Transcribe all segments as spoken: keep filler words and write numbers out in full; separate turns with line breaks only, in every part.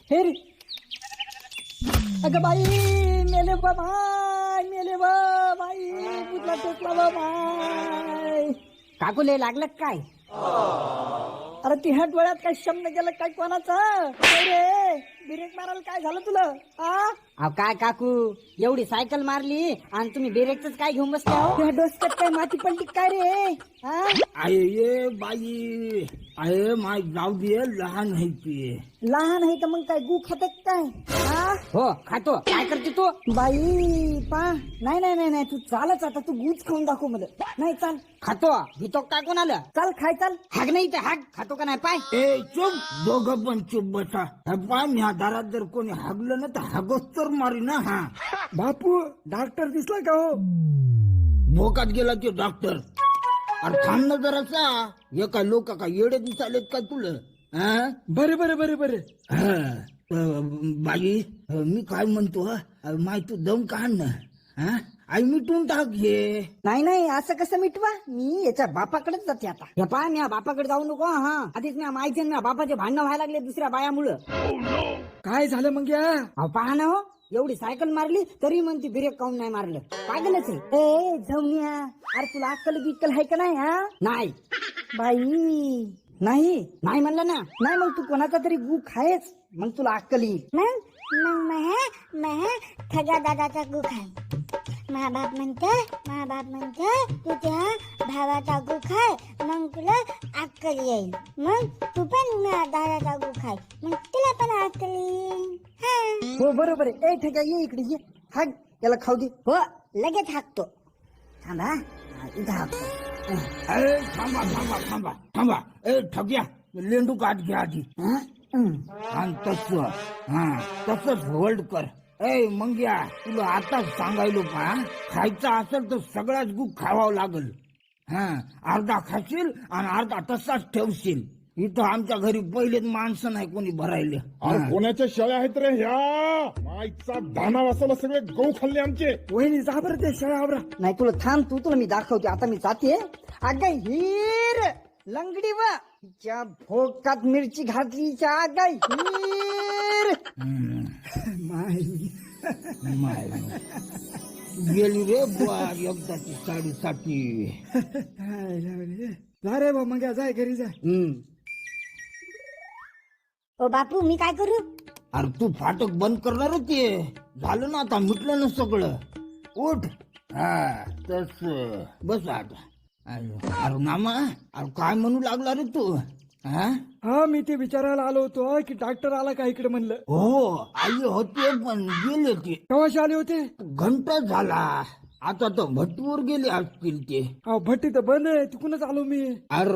हे रे अगं बाई मेले बा भाई मेले बा बाई कुठला टोचला बा भाई काकुले लागलं काय अरे ती ह्या डोळ्यात काय शब्द गेलं काय कोणाचं काय रे ब्रेक मारायला काय झालं तुला अहो काय काकू एवढी सायकल मारली आणि तुम्ही ब्रेकच काय घेऊन बसले हो डोसक्यात काय माती पडली काय रे
आहे ये बाई आहे माय जाऊ दे लहान आहे ती
लहान आहे तर मग काय गु खातात काय हो खातो काय करते तू बाई पा नाही नाही नाही नाही तू चालच आता तू गुच खाऊन दाखव मला नाही चाल खातो घेतो काय कोणाला चाल खाय चाल हाग नाही तर हाग खातो का नाही पाय
ए चुप दोघं पण चुप बसा पाय ह्या दारात जर कोणी हागलं ना तर हागोच तर मारी ना हा
बापू डॉक्टर दिसला का हो
भोकात गेला ते डॉक्टर अरे थांब ना जरासा हे काय लोक काय येडे दिसालेत का तुला हा
बरे बरे बरे बरे
हा. अ, बाई अ, मी काय म्हणतो अ, माय तू दम काढ ना हा आई मिटून टाक हे
नाही नाही असं कसं मिटवा मी याच्या बापाकडेच जाते आता हे पाय मी बापाकडे जाऊ नको हा आधीच मी माहिती ना बापाचे भांडणं व्हायला लागले दुसऱ्या बायामुळं काय झालं मग या अहो पहा ना हो एवढी सायकल मारली तरी म्हणते ब्रेक काऊन नाही मारलं पागलच आहे ए जाऊनिया अरे तुला अक्कल बिक्कल आहे का नाही हा नाही बाई नाही नाही म्हणलं ना नाही मग तू कोणाचा तरी गु खायच मग तुला अक्कल येईल
मग मग मग मग खगा दादाचा गु खाय मा बाप म्हणतोय मा बाप म्हणतोय तू त्या भावाचा गु खाय मग तुला अक्कल येईल मग तू पण मा दादाचा गु खाय मग तुला पण अक्कल येईल हा
हो बरोबर आहे ए ठेका ये इकडे ये हाक याला खाऊ दे हो लगेच हाकतो थांबा हा, इथं हाकतो
अरे थांबा थांबा थांबा थांबा ए ठग्या लेंडू काट घ्या आधी
हा? हं.
आणि तस हा तसंच होल्ड कर ए मंग्या तुला आताच सांगायलो का खायचं असेल तर सगळाच गुप खावावं लागल हा अर्धा खाशील आणि अर्धा तसाच ठेवशील इथं आमच्या घरी पहिलेच माणसं नाही कोणी भरायले
अरे कोणाच्या शेळ्या आहेत रे ह्या माईचा दाना वाचवला सगळे गहू खाल्ले आमचे
वहिनी जा बरं ते शाळा नाही तुला थांब तू तुला मी दाखवते आता मी जाते अगं हिर लंगडी वा तिच्या भोकात मिरची घातलीच्या अगं हिर
माय गेली रे बुवा एकदाची साडीसाठी
जा रे बा मग जाय घरी जा
ओ बापू मी काय करू
अरे तू फाटक बंद करणार होती झालं ना आता मिटलं ना सगळं उठ हा तस बस आता अरे नामा अरे काय म्हणू लागला रे तू हा
हा मी ते विचारायला आलो होतो की डॉक्टर आला का इकडे म्हणलं
हो आई होते पण गेले ते
केव्हाशी आले होते
घंटा झाला आता तर भट्टीवर गेले असतील ते
अहो भट्टी तर बंद आहे तिकूनच आलो मी
अर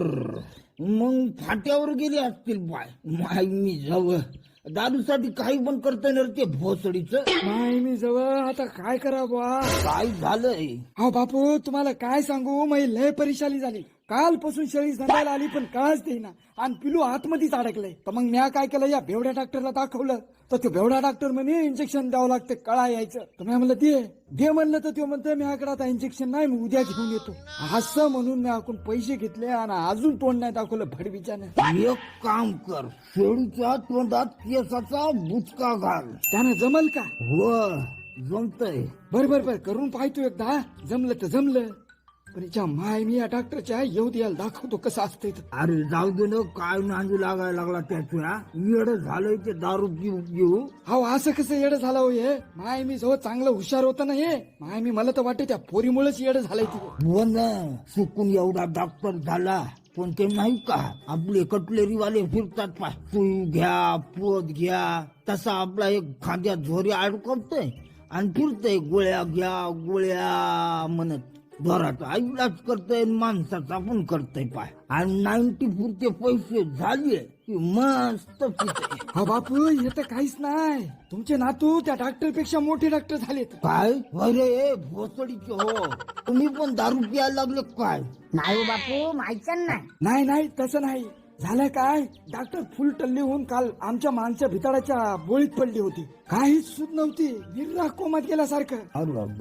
मग फाट्यावर गेले असतील बाय माय मी जवळ दारूसाठी काही पण करता ना ते भोसडीच
नाही मी जवळ आता काय करा बुवा
काय झालंय
अहो बापू तुम्हाला काय सांगू मी लय परेशानी झाली कालपासून शेळी सांगायला आली पण काळच देईना आणि पिलू आतमध्येच अडकलंय तर मग म्या काय केलं या बेवड्या डॉक्टरला दाखवलं तर तो बेवडा डॉक्टर म्हणे इंजेक्शन द्यावं लागतं कळा यायचं तर मी म्हणलं दे दे म्हणलं तर तो म्हणतोय म्याकडे आता इंजेक्शन नाही मी उद्या घेऊन येतो असं म्हणून मी आपण पैसे घेतले आणि अजून तोंड नाही दाखवलं भडबीच्याने
एक काम कर शेळीच्या तोंडात केसाचा बुचका घाल
त्यानं जमल का
हो जमतय
बर बर बर करून पाहतो एकदा जमलं तर जमलं पण याच्या माय मी या डॉक्टरच्या येऊ द्यायला दाखवतो कसं असतंय तर.
अरे जाऊ दे ना काय नांदू लागायला लागला त्याच्या येड झालंय ते दारू पिऊ पिऊ
अहो असं कसं येडं झालं हो हे माय मी जवळ चांगलं हुशार होतं ना हे माय मी मला तर वाटतं त्या पोरीमुळेच येडं झालंय ती
हो ना चुकून एवढा डॉक्टर झाला पण ते नाही का आपले कटलेरीवाले फिरतात पाय सुई घ्या पोत घ्या तसा आपला एक खांद्यात झोरी अडकवतोय आणि फिरतोय गोळ्या घ्या गोळ्या म्हणत घराचा इलाज करतोय माणसाचा पण करतोय पाय आणि नाईन्टी पुरते पैसे झाले की मस्त पितोय
हा बापू हे तर काहीच नाही तुमचे नातू त्या डॉक्टर पेक्षा मोठे डॉक्टर झालेत
काय अरे भोसडीचे हो तुम्ही पण दारू प्यायला लागले काय
नाही हो बापू माहिती नाही
नाही नाही तसं नाही झालं काय डॉक्टर फुल टल्ली होऊन काल आमच्या माणच्या भिताडाच्या बोळीत पडली होती काहीच सुद नव्हती निर्रा कोमात गेल्यासारखं
अरे बाबा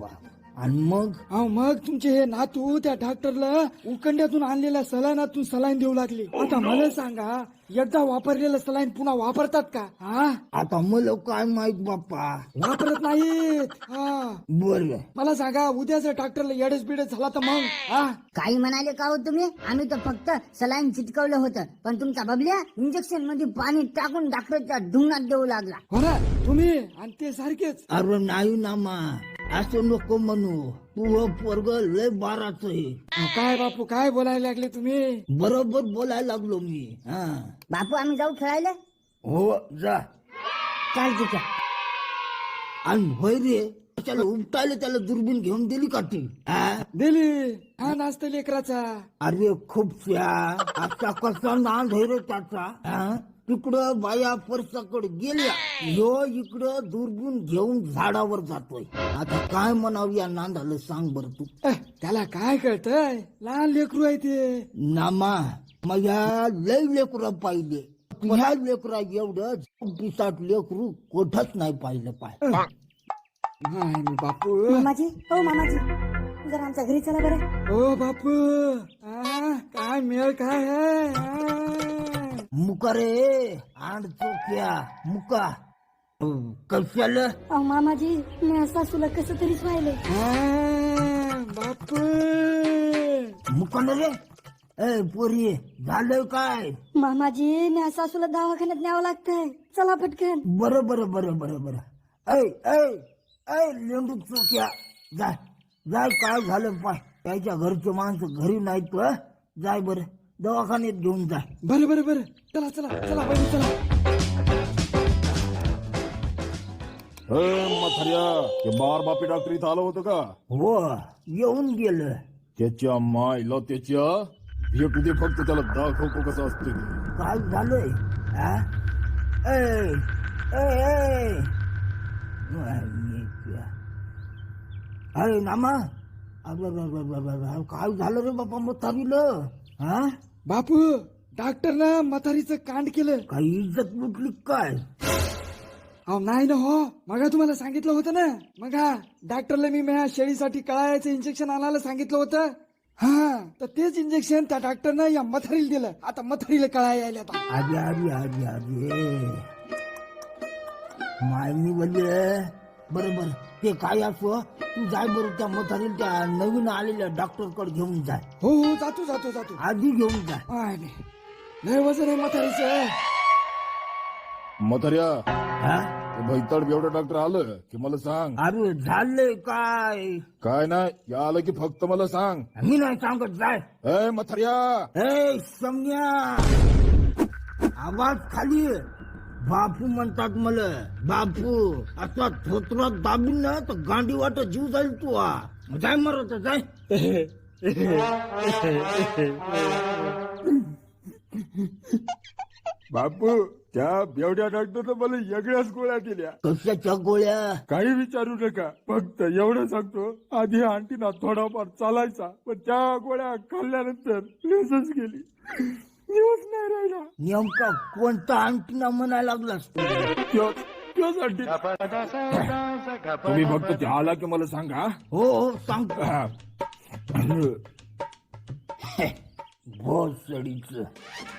आणि मग
अहो मग तुमचे हे नातू त्या डॉक्टरला उकंड्यातून आणलेल्या सलाईनातून सलाईन देऊ लागले. आता मला सांगा, एकदा वापरलेलं सलाईन पुन्हा वापरतात का? हा,
आता मला काय माहित बाप्पा.
वापरत नाहीत. हा,
बर
मला सांगा, उद्याच डॉक्टरला येडच बिडच झाला तर मग? हा,
काही म्हणाले का हो तुम्ही? आम्ही तर फक्त सलाईन चिटकवलं होतं, पण तुमचा बबल्या इंजेक्शन मध्ये पाणी टाकून डॉक्टरच्या ढुंगात देऊ लागला.
हो ना, तुम्ही आणि ते सारखेच.
अरे नाही ना मा, असं नको म्हणू. तू पोरग लय बाराच आहे.
अहो, काय बापू, काय बोलायला लागले तुम्ही?
बरोबर बोलायला लागलो मी. हा
बापू आम्ही जाऊ खेळायला?
हो जा.
चाल ठीक आहे.
आणि होय रे, त्याला उपटायला त्याला दुर्बीण घेऊन दिली का ती? हा?
दिली. हा नाचतं लेकराचा.
अरे खूप आता कसा नांद आहे रे त्याचा. हा? तिकडं बाया परसाकडे गेल्या, ह्यो इकडं दुर्बीण घेऊन झाडावर जातोय. आता काय म्हणावं या नांदाला सांग बर तू.
अह, त्याला काय कळतंय? लहान लेकरू आहे ते.
नामा माझ्या लय लेकरा पाहिले, ह्या लेकरा एवढं पिसाट लेकरू कोठच नाही पाहिलं पाय.
नाही मी बापू.
मामाजी, हो मामाजी, जरा आमच्या घरी चला बरं.
ओ बापू, आ, काय मेळ काय आहे? आ.
मुका रे आण चोक्या मुका. कशाला
अहो मामाजी, मी सासूला कसं तरीच व्हायले.
आ, बापू.
मुका ना रे. ए पोरी झालं काय?
मामाजी, मी सासूला दवाखान्यात न्यावं लागतंय. चला पटकन.
बरं बरं बरं बरं बरं. ऐ ऐ ऐ लेंडू चोक्या, जाय जाय. काय झालं पाय, त्याच्या घरचे माणसं घरी नाहीत. हं? जाय बरं दवाखान्यात घेऊन जाय.
बरं बरं बरं, चला चला चला बरं चला.
म्हाताऱ्या, ते बार बापी डॉक्टर इथं आलं होतं का?
हो येऊन गेलं.
त्याच्या मायला त्याच्या भेटू दे फक्त, त्याला दाखवतो कसं असतं ते.
काय झालंय? हा? ऐ ऐ ऐ अरे नामा, अरे अरे, अरे, अरे, अरे, काय झालं रे बापा म्हातारीला? हा
बापू, डॉक्टरनं म्हातारीचं कांड केलं.
काही इज्जत लुटली काय?
अहो नाही ना हो, मग तुम्हाला सांगितलं होतं ना. मग हा डॉक्टरला मी माझ्या शेळीसाठी कळायचं इंजेक्शन आणायला सांगितलं होतं. हा, तर तेच इंजेक्शन त्या डॉक्टरनं या मथारीला दिलं. आता मथारीला कळा यायला आता.
अरे अरे अरे अरे मायनी बोलले. बरं बरं, ते काय असो, तू जाय बरं त्या म्हातारीला त्या नवीन आलेल्या डॉक्टर कडे घेऊन जाय.
हो हो, जातो जातो जातो.
आधी घेऊन जाय.
आय नाही, लय वजन आहे म्हातारीचं.
म्हाताऱ्या,
हा?
ते भैताड बेवडा डॉक्टर आलं की मला सांग.
अरे झालंय काय?
काय नाही, या आलं की फक्त मला सांग.
मी नाही सांगत. जाय.
ए म्हाताऱ्या,
ए सम्या, आवाज खाली. बापू म्हणतात मला. बापू असा थोत्रात दाबीन ना तर गांडी वाटत जीव जाईल तू. हा जाय मरत जाय.
बापू, त्या बेवड्या डॉक्टरनं मला वेगळ्याच गोळ्या दिल्या.
कशाच्या गोळ्या?
काही विचारू नका, फक्त एवढं सांगतो, आधी आंटीना थोडाफार चालायचा, पण त्या गोळ्या खाल्ल्यानंतर लेसच गेली, दिवस नाही राहिला.
नेमका कोणता अंटीना म्हणायला लागलास?
त्योच त्योच आंटी. तुम्ही फक्त ते आला की मला सांगा.
हो हो सांगतो.
हा.
भोसडीच